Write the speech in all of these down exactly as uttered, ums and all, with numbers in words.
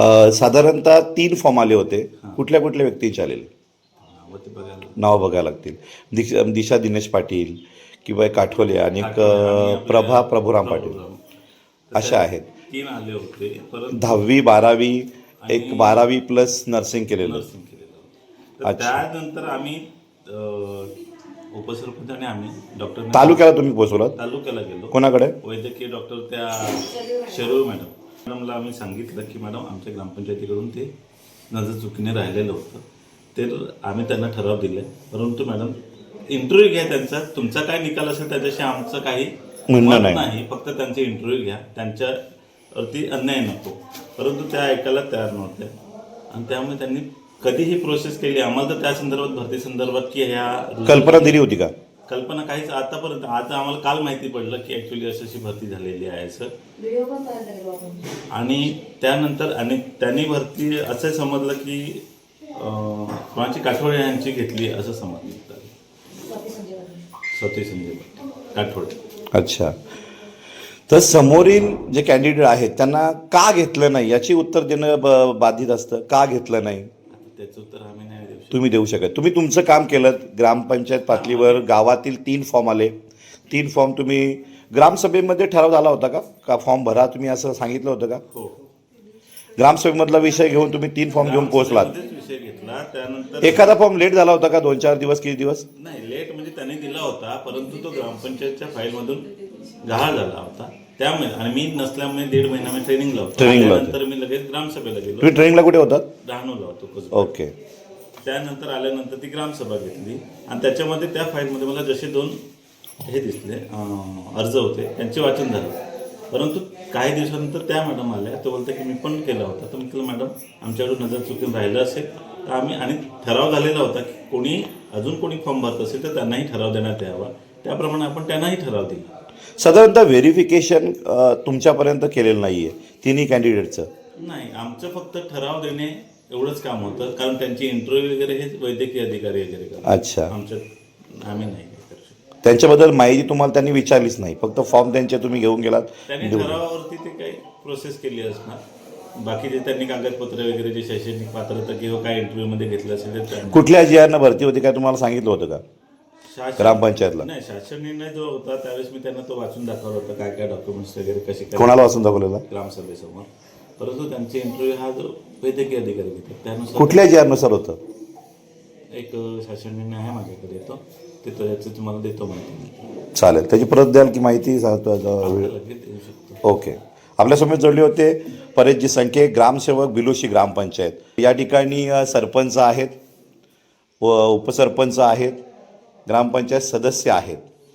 अ, साधारणतः तीन फॉर्म आले होते. कुठल्या कुठल्या व्यक्तींचे आलेले नाव बघायला लागतील? दिश दिशा दिनेश पाटील किंवा एक काठवले आणि एक अ, प्रभा प्रभुराम पाटील अशा आहेत. तीन आले होते. परत दहावी बारावी एक बारावी प्लस नर्सिंग केलेलं. नर्सिंग केलेलं होतं. तर त्यानंतर आम्ही अ, उपसरपंच आणि आम्ही डॉक्टर तालुक्याला तुम्ही पोहोचवलात? तालुक्याला गेलो. कोणाकडे? वैद्यकीय डॉक्टर त्या शरीर मॅडम मॅडमला आम्ही सांगितलं की मॅडम आमच्या ग्रामपंचायतीकडून ते नजर चुकीने राहिलेलं होतं. ते आम्ही त्यांना ठराव दिले. परंतु मॅडम इंटरव्ह्यू घ्या त्यांचा, तुमचा काय निकाल असेल त्याच्याशी आमचं काही म्हणणं मत नाही. नाही. फक्त त्यांचे इंटरव्ह्यू घ्या, त्यांच्यावरती अन्याय नको. परंतु त्या ऐकायला तयार नव्हत्या आणि त्यामुळे त्यांनी कधीही प्रोसेस केली. आम्हाला तर त्या संदर्भात भरती संदर्भात की ह्या कल्पना दिली होती का? कल्पना काहीच आतापर्यंत. आता आम्हाला काल माहिती पडलं की ॲक्च्युली अशी अशी भरती झालेली आहे सर. आणि त्यानंतर आणि त्यांनी भरती असं समजलं की अं, कोणाची काठोडे यांची घेतली असं समजलं. स्वती संजय काठोडे. अच्छा. तर समोरील जे कॅन्डिडेट आहेत त्यांना का घेतलं नाही याची उत्तर देणं ब बाधित असतं. का घेतलं नाही त्याचं उत्तर आम्ही नाही देऊ शकतो. तुम्ही देऊ शकत. तुम्ही तुमचं काम केलं. ग्रामपंचायत पातळीवर गावातील तीन फॉर्म आले. तीन फॉर्म तुम्ही ग्रामसभेमध्ये ठराव झाला होता का का फॉर्म भरा तुम्ही असं सांगितलं होतं का? हो. ग्रामसभेमधला विषय घेऊन तुम्ही तीन फॉर्म घेऊन पोहोचलात. विषय घेतला. त्यानंतर एखादा फॉर्म लेट झाला होता का? दोन चार दिवस किती दिवस? नाही, लेट म्हणजे त्यांनी दिला होता परंतु तो ग्रामपंचायतच्या फाईलमधून गहाळ झाला होता. त्यामुळे आणि मी नसल्यामुळे दीड महिना मी ट्रेनिंगला होतो. ट्रेनिंगला होते. त्यानंतर मी लगेच ग्रामसभेला गेलो. तुम्ही ट्रेनिंगला कुठे होतात? डहाणूला होतो कसं. ओके. त्यानंतर आल्यानंतर ती ग्रामसभा घेतली आणि त्याच्यामध्ये त्या फाईलमध्ये मला जसे दोन हे दिसले अं, अर्ज होते त्यांचे वाचन झालं. परंतु काही दिवसानंतर त्या मॅडम आल्या. तो बोलते की मी पण केला होता. तर म्हटलं मॅडम आमच्याकडून नजर चुकून राहिलं असेल तर आम्ही आणि ठराव झालेला होता की कोणी अजून कोणी फॉर्म भरत असेल तर त्यांनाही ठराव देण्यात यावा. त्याप्रमाणे आपण त्यांनाही ठराव दिला. साधारणतः व्हेरिफिकेशन तुमच्यापर्यंत केलेलं नाही आहे तिन्ही कॅन्डिडेटचं? नाही, आमचं फक्त ठराव देणे एवढंच काम होतं. कारण त्यांची इंटरव्ह्यू वगैरे हे वैद्यकीय अधिकारी वगैरे करतात. अच्छा. आमच्या आम्ही नाही करू शकत. त्यांच्याबद्दल माहिती तुम्हाला त्यांनी विचारलीच नाही, फक्त फॉर्म त्यांचे तुम्ही घेऊन गेलात? त्यांनी ठरावावरती ते काही प्रोसेस केली असणार. बाकीचे त्यांनी कागदपत्र वगैरे जे शैक्षणिक पात्रता किंवा काय इंटरव्ह्यूमध्ये घेतलं असेल ते त्यांनी- कुठल्या जिआरनं भरती होती काय तुम्हाला सांगितलं होतं का शासन ग्रामपंचायतला? नाही, शासन निर्णय जो होता त्यावेळेस मी त्यांना तो वाचून दाखवला होता काय काय डॉक्युमेंट्स वगैरे कसे काय कोणाला वाचून दाखवलेला? ग्रामसभेसमोर. परंतु त्यांचे इंटरव्ह्यू हा जो वैद्यकीय अधिकारी घेतात त्यानुसार कुठल्या जिआरनुसार होतं? एक शासन निर्णय आहे माझ्याकडे येतो ते त्याचं तुम्हाला देतो माहिती. चालेल, त्याची परत द्याल की माहिती सांगतो? लगेच देऊ शकतो. ओके. आपल्यासमोर जोडले होते परेशजी संखे, ग्रामसेवक बिलोशी ग्रामपंचायत. या ठिकाणी अ, सरपंच आहेत व उपसरपंच आहेत, ग्रामपंचायत सदस्य आहेत.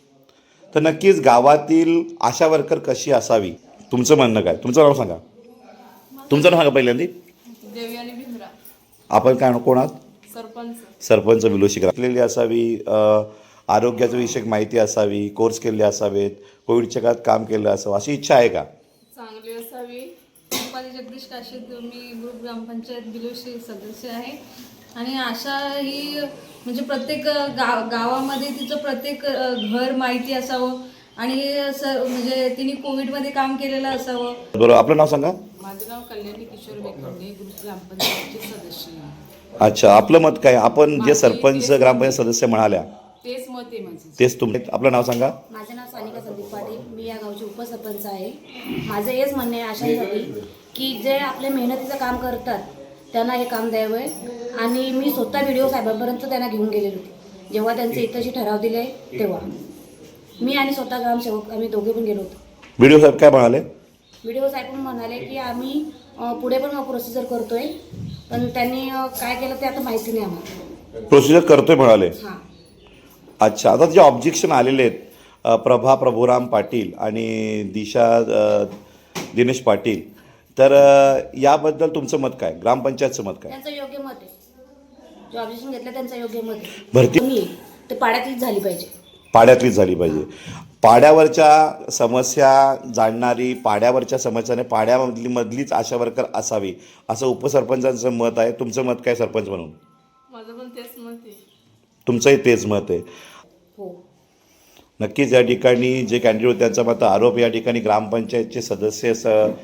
तर नक्कीच गावातील आशा वर्कर कशी असावी तुमचं म्हणणं काय? तुमचं नाव सांगा. तुमचं नाव सांगा पहिल्यांदी. देवयानी भिमरा, आपण काय कोण आहात? सरपंच. सरपंच बिलोशी ग्रामलेली असावी, अ, आरोग्याचं विषयक माहिती असावी, कोर्स केले असावेत, कोविडच्या काळात काम केलं असावं अशी इच्छा आहे का? चांगली असावी. रुपाली जगदीश काशीद, मी ग्रुप ग्रामपंचायत बिलोशी सदस्य आहे. आणि आशा ही म्हणजे प्रत्येक गाव गावामध्ये तिचं प्रत्येक अ, घर माहिती असावं आणि स म्हणजे तिने कोविडमध्ये काम केलेलं असावं. बरोबर. आपलं नाव सांगा. माझं नाव कल्याणी किशोर बेखंडे, ग्रुप ग्रामपंचायतचे सदस्य आहे. अच्छा, आपलं मत काय? आपण जे माझी सरपंच तेच- ग्रामपंचायत सदस्य म्हणाल्या तेच मत आहे माझं. तेच तुम्ही. आपलं नाव सांगा. माझं नाव सानिका संदीप पाटील, मी या गावची उपसरपंच आहे. माझं हेच म्हणणे आहे आशांसाठी की जे आपले मेहनतीचं काम करतात त्यांना हे काम द्यावं. आणि मी स्वतः व्हिडिओ साहेबांपर्यंत त्यांना घेऊन गेलेली होती जेव्हा त्यांचे इथंशी ठराव दिले तेव्हा. मी आणि स्वतः ग्रामसेवक आम्ही दोघे पण गेलो होतो. व्हिडिओ साहेब काय म्हणाले? व्हिडिओ साहेब पण म्हणाले की आम्ही अ, पुढे पण प्रोसिजर करतोय, पण त्यांनी अ, काय केलं ते आता माहिती नाही आम्हाला. प्रोसिजर करतोय म्हणाले. हां. अच्छा. आता जे ऑब्जेक्शन आलेले आहेत अ, प्रभा प्रभुराम पाटील आणि दिशा अ, दिनेश पाटील, तर अ, याबद्दल तुमचं मत काय? ग्रामपंचायतचं मत काय? त्यांचं योग्य मत आहे. जे ऑब्जेक्शन घेतलं त्यांचं योग्य मत आहे. भरती कमी आहे, ते पाड्यातलीच झाली पाहिजे. पाड्यातलीच झाली पाहिजे. पाड्यावरच्या समस्या जाणणारी, पाड्यावरच्या समस्याने पाड्यामधली मधलीच आशा वर्कर असावी असं उपसरपंचांचं मत आहे. तुमचं मत काय सरपंच म्हणून? माझं पण तेच मत आहे. तुमचंही तेच मत आहे. हो. नक्कीच या ठिकाणी जे कॅन्डिडेट होते त्यांचा मत आरोप या ठिकाणी ग्रामपंचायतचे सदस्य स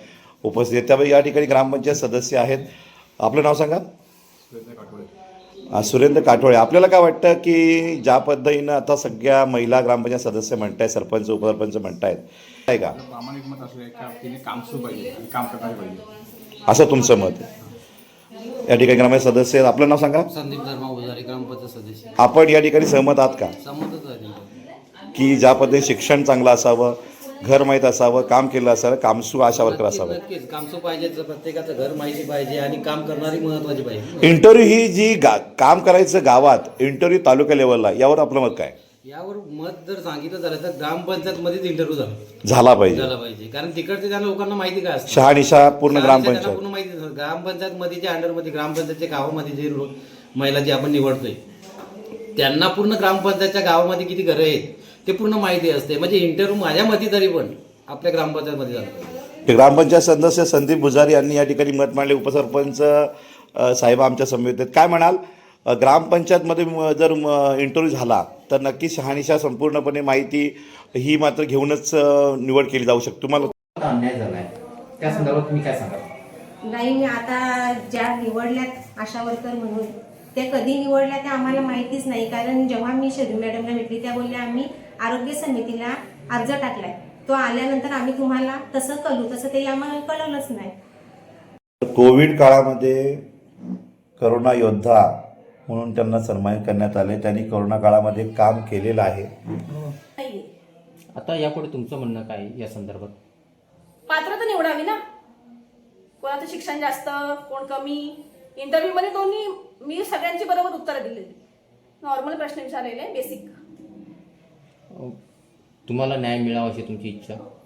उपस्थित आहेत. त्यामुळे या ठिकाणी ग्रामपंचायत सदस्य आहेत. आपलं नाव सांगा. सुरेंद्र काठोळे. आपल्याला काय वाटतं की ज्या पद्धतीनं आता सगळ्या महिला ग्रामपंचायत सदस्य म्हणतायत, सरपंच उपसरपंच म्हणतायत, आहे का प्रामाणिक मत असं आहे का तिने काम सुरू पाहिजे आणि काम करायला पाहिजे असं तुमचं मत आहे? या ठिकाणी ग्रामपंचायत सदस्य आहेत. आपलं नाव सांगा. संदीप धर्मा उजारी ग्रामपंचायत सदस्य. आपण या ठिकाणी सहमत आहात का संमतच आहे. की ज्या पद्धतीने शिक्षण चांगलं असावं, घर माहीत असावं, काम केलं असावं, कामसू आशा वर्कर असावं, नक्कीच कामसू पाहिजे, प्रत्येकाचं घर माहिती पाहिजे आणि काम करणारी महत्वाची पाहिजे. इंटरव्ह्यू ही जी गा काम करायचं गावात, इंटरव्ह्यू तालुका लेवलला, यावर आपलं मत काय? यावर मत जर सांगितलं झालं तर ग्रामपंचायत मध्येच इंटरव्ह्यू झाला झाला पाहिजे झाला पाहिजे. कारण तिकडचे त्या लोकांना माहिती काय असतं, शहानिशा पूर्ण त्यांना ग्रामपंचायत. पूर्ण माहिती नसतं. ग्रामपंचायत मध्ये जे अंडरमध्ये ग्रामपंचायतच्या गावामध्ये जे लो- महिला जी आपण निवडतोय त्यांना पूर्ण ग्रामपंचायतच्या गावामध्ये किती घरं आहेत ते पूर्ण माहिती असते. म्हणजे इंटरव्ह्यू माझ्या मते तरी पण आपल्या ग्रामपंचायत मध्ये झालं पाहिजे. ग्रामपंचायत सदस्य संदीप भुजारी यांनी या ठिकाणी मत मांडले. उपसरपंच अ, साहेब आमच्या समितीत आहेत. काय म्हणाल, अ, ग्रामपंचायतमध्ये म- जर इंटरव्ह्यू झाला तर नक्की शहानिशा संपूर्णपणे माहिती ही मात्र घेऊनच अ, निवड केली जाऊ शकते. तुम्हाला अन्याय झालाय त्या संदर्भात तुम्ही काय सांगाल? नाही, मी आता ज्या निवडल्यात आशा वर्कर म्हणून त्या कधी निवडल्या त्या आम्हाला माहितीच नाही. कारण जेव्हा मी शर्मी मॅडमला भेटली त्या बोलल्या आम्ही आरोग्य समितीला अर्ज टाकलाय, तो आल्यानंतर आम्ही तुम्हाला तसं कळू, तसं ते आम्हाला कळवलंच नाही. कोविड काळामध्ये करोना योद्धा म्हणून त्यांना सन्मानित करण्यात आले. त्यांनी करोना काळामध्ये काम केलेलं आहे. आता यापुढे तुमचं म्हणणं काय या संदर्भात? पात्रता निवडावी ना, कोणाचं शिक्षण जास्त कोण कमी. इंटरव्ह्यू मध्ये दोन्ही मी सगळ्यांची बरोबर उत्तरं दिलेली, नॉर्मल प्रश्न विचारलेले बेसिक. तुम्हाला न्याय मिळावा अशी तुमची इच्छा?